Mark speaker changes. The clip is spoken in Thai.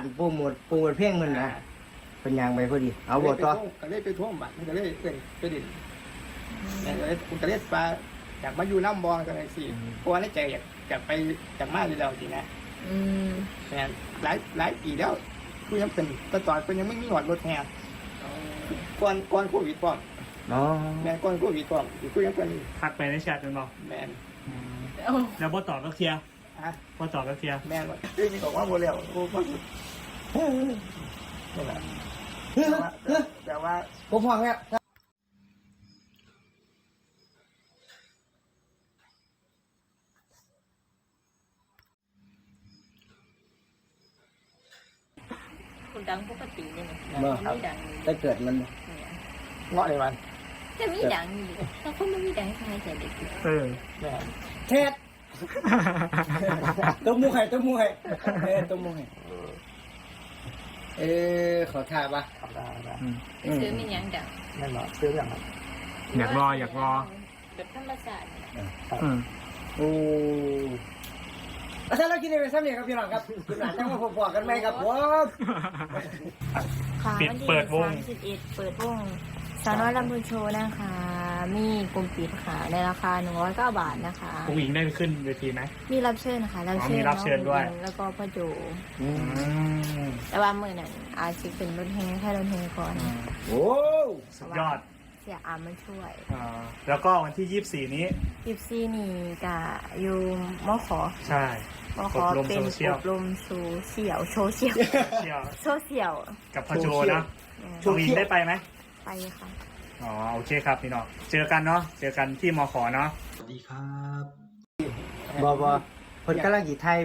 Speaker 1: โปรโมทเพลงมันนะเป็นยางไปพอดีเอาบทต่อ
Speaker 2: ก็เลยไปท่วมบัตรมันก็เลยเป็นไปดินเนี่ยก็เลยคุณก็เลยปลาอยากมาอยู่น้ำบอลกันเลยสิเพราะว่าในใจอยากไปจากมาอยู่แล้วจริงนะเนี่ยหลายปีแล้วกูยังเป็นตอนเป็นยังไม่มีหอดรถแห่ก่อนโควิดก่อนแม่ก่อนโควิดก่อนกูยังเป็น
Speaker 3: ทักไปในแชทกันบอก
Speaker 2: แม่
Speaker 3: แล้วบอตอบก็เคลียร์บอตอบก็เคลียร์
Speaker 2: แม่ว่ามีบอกว่าโมเดลกูก็นี่แหละแต่ว่า
Speaker 1: ผมฟังแล้ว
Speaker 4: คุณดังปกติเลยนะไม่ดัง
Speaker 1: ถ้าเกิดมัน
Speaker 2: เงาะในวัน
Speaker 4: จะมีดังอยู่แต่คนไม่มีดังใครจะเด็ก
Speaker 1: แทดตัวมูไห่ตัวมูไห่ขอท่าปะ
Speaker 4: ซื้อมีอย่างดัง
Speaker 2: นั่นเหรอซื้ออย่างไร
Speaker 3: อยากรอ
Speaker 4: แบบธรรมชาติ
Speaker 1: โอ้ถ้าเรากินในซ้ำเนี่ยครับพี่น้องครับคุณหลานจะมาพบกันไหมครับผม
Speaker 4: เปิดวง31เปิดวงสาวน้อยลำพูนโชว์นะคะมีกลุ่มปิดค่ะในราคา109 บาทนะคะ
Speaker 3: ผู้หญิงได้ขึ้นเวทีไหม
Speaker 4: มีรับเชิญค่ะ
Speaker 3: มีรับเชิญด้วย
Speaker 4: แล้วก็พ่อโจแต่ว่ามือนั้นอาจจะเป็นรถแห่แค่รถแห่ก่อน
Speaker 1: โอ้
Speaker 3: สุดยอด
Speaker 4: เสียอามาช่วย
Speaker 3: แล้วก็วันที่24นี้
Speaker 4: 24นี่กับอยู่มข
Speaker 3: ใช่
Speaker 4: ขอเป็นอบรมโซเชียล
Speaker 3: กับพ่อโจนะผู้หญิงได้ไปไหม
Speaker 4: ไปค่ะ
Speaker 3: อ๋อโอเคครับพี่น้องเจอกันเนาะเจอกันที่มขเนาะ
Speaker 1: สวัสดีครับบอคนกำลังจีไทย